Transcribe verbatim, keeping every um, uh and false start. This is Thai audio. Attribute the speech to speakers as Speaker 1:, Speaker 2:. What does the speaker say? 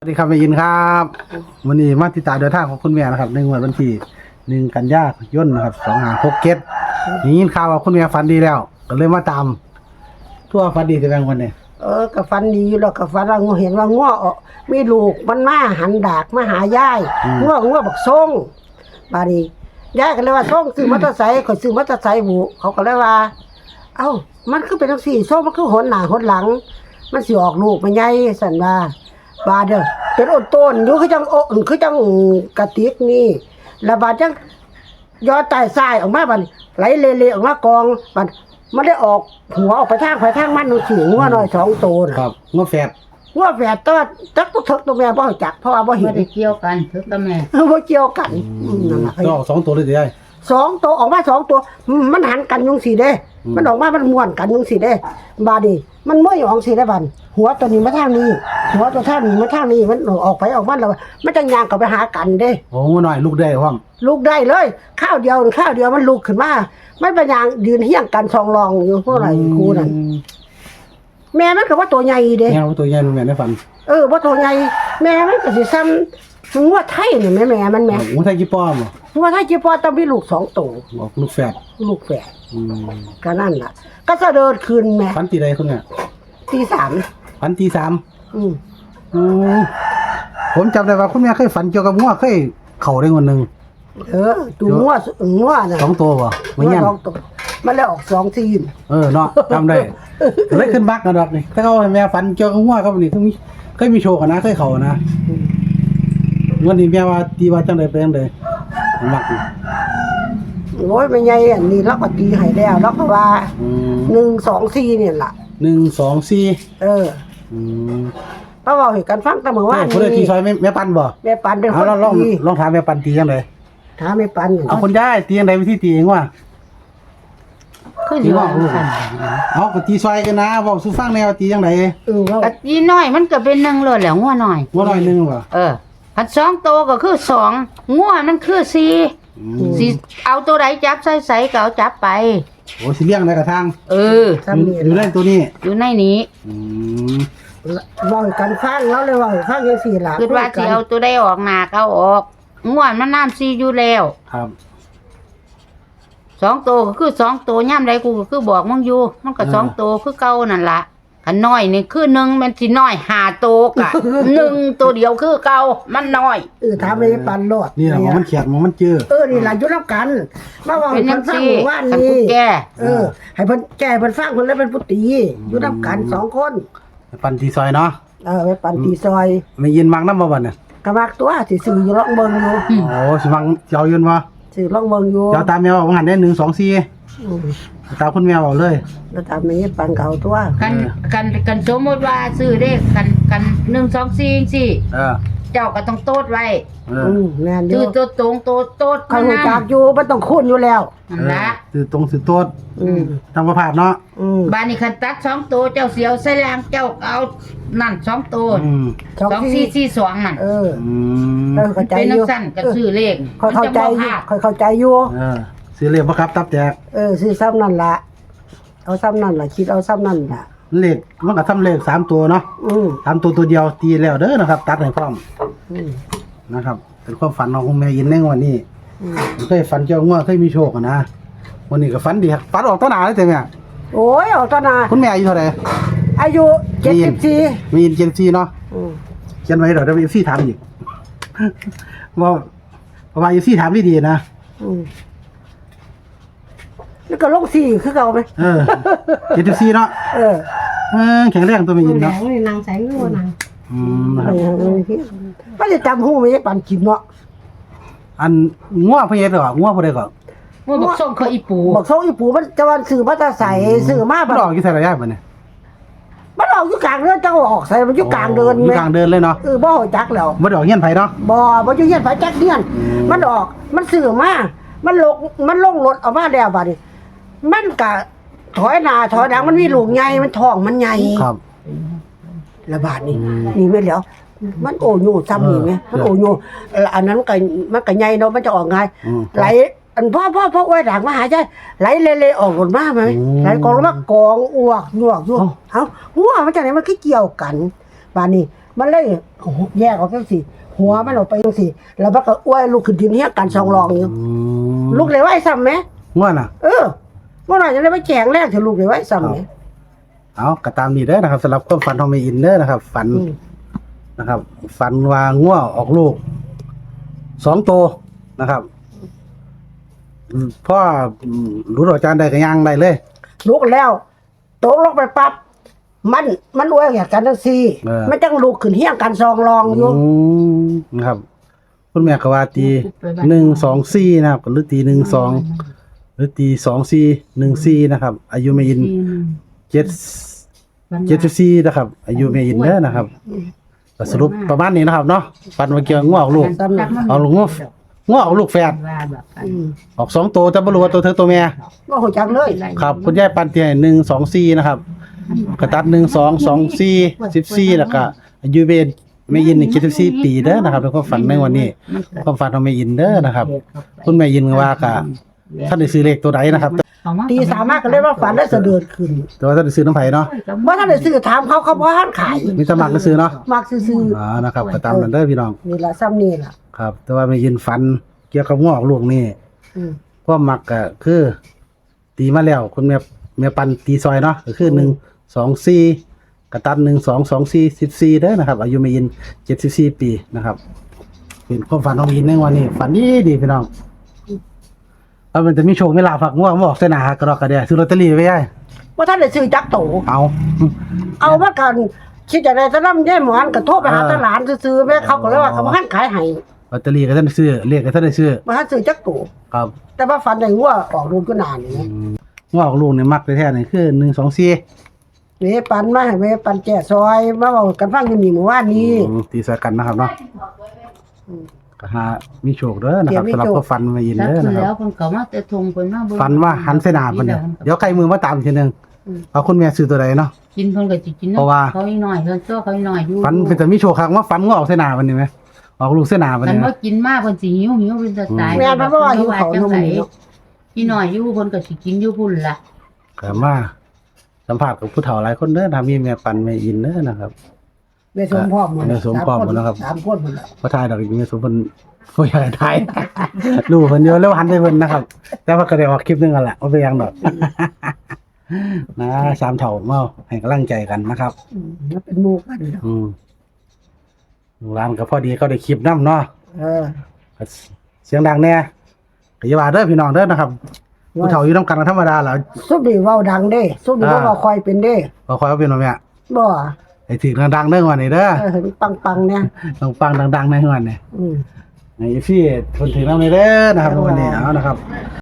Speaker 1: ดีครับแม่ยินครับวันนี้มาติดตามเดินทางของคุณแม่นะครับในงวดวันที่หนึ่งกันยายนนะครับสองห้าหกเจ็ดนี่ยินข่าวว่าคุณแม่ฝันดีแล้วก็เลยมาตามทั่วฝันดีแต่แบงวันนี้
Speaker 2: เออกับฟันดีอยู่แล้วกับฟันว่างูเห็นว่าง้อออกมีลูกมันมาหันดากมาหายายง้อง้อบักส่งบาดนี้ยายก็เลยว่าส่งซื้อมอเตอร์ไซค์ข่อยซื้อมอเตอร์ไซค์บุเขาก็เลยว่าเอ้ามันคือเป็นจังซี่ส่งมันคือหนหน้าหนหลังมันสิออกลูกมันใหญ่สั่นว่าบาดเด้อเป็นอดต้นอยู่คือจังโอคือจังกระติกนี่แล้วบาดจังยอดใต้ทรายออกมาบัดไหลเละๆออกมากองบัดมันได้ออกหัวออกไปทางไปทางมันหนูสิงัวน้อยสองตัว
Speaker 1: ครับงัวแฝด
Speaker 2: งัวแฝดตัวจักตัวเถิกตัวแม่บ่รู้จักเพราะว่าบ่เห็
Speaker 3: บ่
Speaker 2: น
Speaker 3: ได้เกี่ยวกันเถิกกับแม่
Speaker 2: บ่เกี่ยวกันนั่นล่ะ
Speaker 1: ก็สองตัวเลยสิได้
Speaker 2: สองตัวออกมาสองตัวมันหันกันยุงสิเด้มันออกมามันม่วนกันยุงสิเด้บาดนี้มันม้วยออกสิได้บัดหัวตัวนี้มาทางนี้หัวตัวทางนี้มาทางนี้มันออกไปออกมาแล้วมันจะย่างเข้าไปหากันเด้
Speaker 1: โอ้งัวน้อยลูกได้พร้อม
Speaker 2: ลูกได้เลยข้าวเดียวข้าวเดียวมันลุกขึ้นมามันเป็นอย่างยืนเฮี้ยงกันสองรองอยู่เพราะอะไรครูนั่นแม่มันก็ว่าตัวใหญ่เด้
Speaker 1: แม่ว่าตัวใหญ่ลูกแม่ได้ฝัน
Speaker 2: เออว่าตัวใหญ่แม่มันก็สิซ้ำงัวไทยนี่แม่แม่มันแม่
Speaker 1: งัวไทยกี่ป้อม
Speaker 2: งัวไทยจีปอต้องมีลูกสองตัว
Speaker 1: บอกลูกแฝด
Speaker 2: ลูกแฝดก็นั่นล่ะก็จะเดินคืนแม่
Speaker 1: ฝันตีใดคุณเนี่ย
Speaker 2: ตีสาม
Speaker 1: ฝันตีสาม
Speaker 2: อืม
Speaker 1: อืมผมจำได้ว่าคุณแม่เคยฝันเกี่ยวกับงัวเคยเข่าได้วันหนึ่ง
Speaker 2: เออตัวงัวงัวน่ะ
Speaker 1: สองตัวป่ะไม่ยัน
Speaker 2: สองตัวมันเลยออกสองทีม
Speaker 1: เออเนาะจำได้เลยขึ้นบักกันดอกนี่ถ้าเขาให้แม่ฝันเกี่ยวกับงัวครับนี่เคยมีเคยมีโชว์กันนะเคยเข่านะวันนี้แม่ว่าตีว่าจังไดไปจังไดมัก
Speaker 2: โอ้ยไม่ใหญ่อันนี้เราก็ตีให้แล้วเราก็ว่าหนึ่งสองสี่เนี่ยล่ะ
Speaker 1: หนึ่งสองสี่
Speaker 2: เออเพราะว่าเหตุการณ์ฟังแต่เมื่อวาน
Speaker 1: นี้คนได้ตีซอยแม่ปันบ่
Speaker 2: แม่ปันเป็นคน
Speaker 1: ลองลองถามแม่ปันตีจังได
Speaker 2: ถามแม่ปัน
Speaker 1: เอาคนได้ตีจังไดวิธีตีเองว่า
Speaker 3: คือสิว่าซั่น
Speaker 1: เอาก็ตีซอยกันนะเว้าสู่ฟังแนวตีจังได
Speaker 2: เออ
Speaker 3: ก็ตีน้อยมันก็เป็นหนึ่งเลยแหละงัวน้อย
Speaker 1: งัวน้อยนึงบ่
Speaker 3: เออพันสองโตก็คือสองงัวมันคือสี่สิเอาตัวใดจับใส่ใส่ก็เอาจับไป
Speaker 1: โอ้สิเลี้ยงในกระทาง
Speaker 3: เออ
Speaker 1: อยู่ในตัวนี้
Speaker 3: อยู่ในนี้
Speaker 1: อืม
Speaker 2: เว้ากันฟังแล้วเลยเว้าฟังจังซี่ล่ะ
Speaker 3: คือว่าสิเอาตัวใดออกหน้าก็เอาออกงัวมันน้ำซีอยู่แล้ว
Speaker 1: ครับ
Speaker 3: สองตัวก็คือสองตัวย่ำใดกูก็คือบอกมึงอยู่มันก็สองตัวคือเก่านั่นล่ะขันน้อยนี่คือหนึ่งมันสิน้อยห้าตัวกะหนึ่งตัวเดียวคือเก่ามันน้อย
Speaker 2: เออถามแม่ปันโลด
Speaker 1: นี่ล่ะมันเขียดมันเจอ
Speaker 2: เออนี่ล่ะอยู่นำกันมาเว้าให้เพิ่นฟังว่านี่เออให้เพิ่นแก้เพิ่นฟังเพิ่นแล้วเป็นผู้ตีอยู่นำกันสองคน
Speaker 1: ปันตีซอยเนาะ
Speaker 2: เออไปปันตีซอย
Speaker 1: ไม่ยินมักนำบ่บัดน่ะ
Speaker 2: ก็มักตัวสิซื้ออยู่ลองเบิ่งอยู่
Speaker 1: โอ้สิมักเจ้ายืนบ่
Speaker 2: ซื้อลองเบิ่งอยู่
Speaker 1: เจ้าตามแม่ว่าว่าหันได้หนึ่ง สอง สี่อือตามคุณแม่เว้าเลย
Speaker 2: แล้วตามแม่ปันเก่าตัว
Speaker 3: กันกันกันสมมุติว่าซื้อเลขกันกันหนึ่ง สอง สี่จังซี่
Speaker 1: เออ
Speaker 3: เจ้าก็ต้องโต๊ดไว้
Speaker 2: อืมแม่นอยู่
Speaker 3: ซื้อตัวตรงโต๊ดโต๊ด
Speaker 2: มันจักอยู่มันต้องคูณอยู่แล้ว
Speaker 3: นั่นล่ะ
Speaker 1: ซื้อตรงซื้อโต๊ดอืมทำบ่พลาดเนาะ
Speaker 2: อืม
Speaker 3: บ้านนี้คันตัดสองตัวเจ้าเสียวใส่ล่างเจ้าเอานั่นสองตัว
Speaker 1: อืม
Speaker 3: สอง สี่ สี่ สองนั่น
Speaker 2: เออ
Speaker 1: อืม
Speaker 2: เออเข้าใจอยู่
Speaker 3: เป็นสั้นก็ซื้อเลข
Speaker 2: ค่อยเข้าใจอยู่ค่อยเข้าใจอยู่
Speaker 1: เออซื้อเลขบ่ครับตับแจก
Speaker 2: เออซื้อซ้ำนั่นล่ะเอาซ้ำนั่นล่ะคิดเอาซ้ำนั่นล่ะ
Speaker 1: เลขมันก็ทำเลขสามตัวเนาะ
Speaker 2: อืม
Speaker 1: สามตัวตัวเดียวตีแล้วเด้อนะครับตัดให้พร้อมอืมนะครับเป็นความฝันของคุณแม่ยินในวันนี้อืมเคยฝันเจ้างัวเคยมีโชคนะวันนี้ก็ฝันดีครับฝันออกต้นหนาเลยแต่แม่
Speaker 2: โอ้ยออกต้นหนา
Speaker 1: คุณแม่อายุเท่าไหร่
Speaker 2: อายุเจ็ดสิบสี่
Speaker 1: มียินเจ็ดสิบสี่เนาะอืมเขียนไว้เดี๋ยวจะไปซี่ถามอีกว่าเพราะว่าซี่ถามดีๆนะอืม
Speaker 2: แล้วก็ลงสี่คือเก่าไหม
Speaker 1: เออเจ็ดสิบสี่เนาะ
Speaker 2: เออ
Speaker 1: เออแข็งแรงตัวไม่ยินเนาะ
Speaker 2: นางแสงงัวนางอืมนะครับไม่ได้จำหูไม่ได้ปั่นกินเนาะ
Speaker 1: อันงัวพเยศเหรองัวพเยศก่อน
Speaker 3: งัวบอกส่งเขาอีปู
Speaker 2: บอกส่งอีปูมันจะวันสื่อมาจะใส่สื่อมา
Speaker 1: มันออกกี่สายระยะมันเนี่ย
Speaker 2: มันออกอยู่กลางเดินจะออกใส่มันอยู่กลางเดิน
Speaker 1: อยู่กลางเดินเลยเนาะ
Speaker 2: เออบ่อจักแล้ว
Speaker 1: มันออกเงี้ยนไผ่เนาะ
Speaker 2: บ่บ่อยู่เงี้ยนไผ่จักเงี้ยนมันออกมันสื่อมามันลงมันลงรถออกมาแล้วบัดนี้มันกะถอยหน้าถอยหลังมันมีลูกใหญ่มันท้องมันใหญ่
Speaker 1: ครับ
Speaker 2: ระบาดนี่นี่แม่แล้วมันโอโยซ้ำนี่แม่มันโอโยอันนั้นมันก็มันก็ใหญ่เนาะมันจะออกไงไหลอันพ่อพ่อพ่อไว้หลังมาหาใจไหลเละๆออกหมดมาไหมไหลกองแล้วมากองอ้วกหยวกอยู่เอ้าหัวมันจากไหนมันคือเกี่ยวกันบาดนี้มันเลยโอ้โหแยกออกจังซี่หัวมันออกไปจังซี่แล้วมันก็อ้วยลูกขึ้นทีนี้กันสองรองอยู่
Speaker 1: อืม
Speaker 2: ลูกเลยไว้ซ้ำไหม
Speaker 1: ง่วนน่ะ
Speaker 2: เออว่าหน่อยจะได้ไปแจงแรกถึงลูกเลยไว้ซ้ำไหม
Speaker 1: เอาก็ตามนี้เด้อนะครับสำหรับความฝันของแม่อินเด้อนะครับ ฝัน
Speaker 2: อืม
Speaker 1: นะครับ ฝันว่าง่วออกลูกสองตัวนะครับอืมพ่ออืมรู้ดอกจานได้ก็ย่างได้เลย
Speaker 2: ลูกแล้วตกลงไปปั๊บมันมันอ้วยอยากกันจังซี่มันจังลูกขึ้นเฮี้ยงกันสองรองอยู่
Speaker 1: อืมนะครับ คุณแม่ก็ว่าตีหนึ่งสองสี่นะครับหรือตีหนึ่งสองหรือตีสองสี่หนึ่งสี่นะครับ อายุแม่อินเจ็ดเจ็ดสิบสี่นะครับ อายุแม่อินเด้อนะครับก็สรุปประมาณนี้นะครับเนาะฝันว่าเกี่ยวง่วออกลูก เอาลูกง่วง่วออกลูกแฝด
Speaker 2: อืม
Speaker 1: ออกสองตัวแต่บ่รู้ว่าตัวเธอตัวแม่
Speaker 2: ว่าหัวจักเลย
Speaker 1: ครับคุณยายปันเตียหนึ่งสองสี่นะครับกระตัดหนึ่งสองสองสี่สิบสี่แล้วก็อายุเบนแม่ยินนี่เจ็ดสิบสี่ปีเด้อนะครับเป็นความฝันในวันนี้ความฝันของแม่ยินเด้อนะครับ คุณแม่ยินก็ว่ากะท่านได้ซื้อเลขตัวใดนะครับ
Speaker 2: ตีสามารถก็เลยว่าฝันได้เสด็จขึ้น
Speaker 1: แต่ว่าท่านได้ซื้อน้ำไผ่เนาะ
Speaker 2: ว่าถ้าได้ซื้อถามเขาเขาบ่ทันขาย
Speaker 1: มีสมัครก็ซื้อเนาะ
Speaker 2: มักซื้อ
Speaker 1: อ๋อนะครับก็ตามนั้นเด้อพี่น้อง
Speaker 2: ๆนี่ล่ะซ้ำนี่ล่ะ
Speaker 1: ครับ แต่ว่าแม่ยินฝันเกี่ยวกับงอกลูกนี่
Speaker 2: อืม
Speaker 1: ความมักก็คือ ตีมาแล้วคุณแม่แม่ปันตีซอยเนาะก็คือหนึ่งสองสี่กระตันหนึ่งสองสองสี่สิบสี่เด้อนะครับ อายุแม่ยินเจ็ดสิบสี่ปีนะครับเป็นความฝันของแม่ยินในวันนี้ ฝันดีดีพี่น้องเอามันจะมีโชคมีลาภฝักง่วงมาออกเส้นหนากระดอกกระเดียซื้อลอตเตอรี่ไว้ได้
Speaker 2: ว่าถ้าได้ซื้อจักโต
Speaker 1: เอา
Speaker 2: เอามากันคิดจะได้จะนำยายหมอนก็โทรไปหา
Speaker 1: เออ
Speaker 2: ตลาดซื้อๆแม่เขาก็เลยว่าเขาบ่ทันขายให้
Speaker 1: ลอตเตอรี่ก็ท่านได้ซื้อเลขก็ท่านได้ซื้อ
Speaker 2: บ่ทันซื้อจักโต
Speaker 1: ครับ
Speaker 2: แต่ว่าฝันได้งัวออกลูกก็นานนี่
Speaker 1: ง่วงออกลูกเนี่ยมักแท้ๆนี่คือหนึ่งสองสี่
Speaker 2: เวปันมาให้เวปันแก่ซอยมาเว้ากันฟังอยู่นี่เมื่อวานนี้
Speaker 1: อืมตีใส่กันนะครับเนาะก็หามีโชคเด้อนะครับ
Speaker 2: เดี๋ยวมี
Speaker 1: สำหรับ
Speaker 2: โชค
Speaker 1: ก็ฟันมายิน
Speaker 3: สัก
Speaker 1: เด้อ
Speaker 3: คื
Speaker 1: นะ
Speaker 3: อ
Speaker 1: ค
Speaker 3: แล้
Speaker 1: รั
Speaker 3: ว
Speaker 1: บ
Speaker 3: เพิ่นก็มาแต่ทงเพิ่นมาเบิ่ง
Speaker 1: ฟันว่าหันเสนาเพิ่นเนี่ยเดี๋ยวใครมือมาตามทีนึง
Speaker 2: อืม
Speaker 1: เอาคุณแม่ซื้อตัวใดเนาะ
Speaker 3: กินเพิ่นก็สิกิน
Speaker 1: เพราะว่า
Speaker 3: เขาอีกหน่อยเพิ่นตัวเขาอีกหน่อยอยู่
Speaker 1: ฟันเป็นแต่มีโชคครั้งว่าฟันงอกเสนาเพิ่นนี่ไหมออกลูกเสนาเพิ่น
Speaker 3: คัน
Speaker 1: นี่ไหม
Speaker 3: ว่ากินมากเพิ่นสิหิวหิวเป็นจะตาย
Speaker 2: แม่นเพราะว่าหิวเขานมนี่เนาะ
Speaker 3: อีหน่อยอยู่เพิ่นก็สิกินอยู่พุ่นล่ะ
Speaker 1: ก็มาสัมภาษณ์กับผู้เฒ่าหลายคนเด้อนะมีแม่ปันแม่อินเด้อนะครับ
Speaker 2: แม่สมพร้อมหมด
Speaker 1: แม่สมพร้อมหมดแล้วครับ
Speaker 2: สามคนหมดแล้ว
Speaker 1: บ่ทายดอกแม่สมเพิ่นบ่อยากให้ทาย รู้เพิ่นเยอะแล้วหันไปเพิ่นนะครับ แต่ว่าก็ได้ออกคลิปหนึงกันแหละบ่เป็นหยังดอก นะสามเฒ่ามาให้กำลังใจกันนะครับ
Speaker 2: อืมมันเป็นหมู่กันเนาะ
Speaker 1: อืมร้านก็พอดีก็ได้คลิปน้ำเนาะ
Speaker 2: เออ
Speaker 1: ก็เสียงดังแน่ก็อย่าว่าเด้อพี่น้องเด้อนะครับผู้เฒ่าอยู่นำกันก็ธรรมดาแหล้ว
Speaker 2: ซุปนี่เว้าดังเด้ซุปนี่
Speaker 1: อ่า
Speaker 2: เว้าคอยเป็นเด้
Speaker 1: บ่ค่อยว่าเป็นว่าแม่
Speaker 2: บ่
Speaker 1: ไอ้ถึงดังๆเด้อวันนี้เด้อ
Speaker 2: เออเห็นปังๆเนี่ย
Speaker 1: ต้องฟังดังๆในวันนี้
Speaker 2: อืม
Speaker 1: ไอ้พี่คนถึงนำเด้อนะครับวันนี้เอานะครับ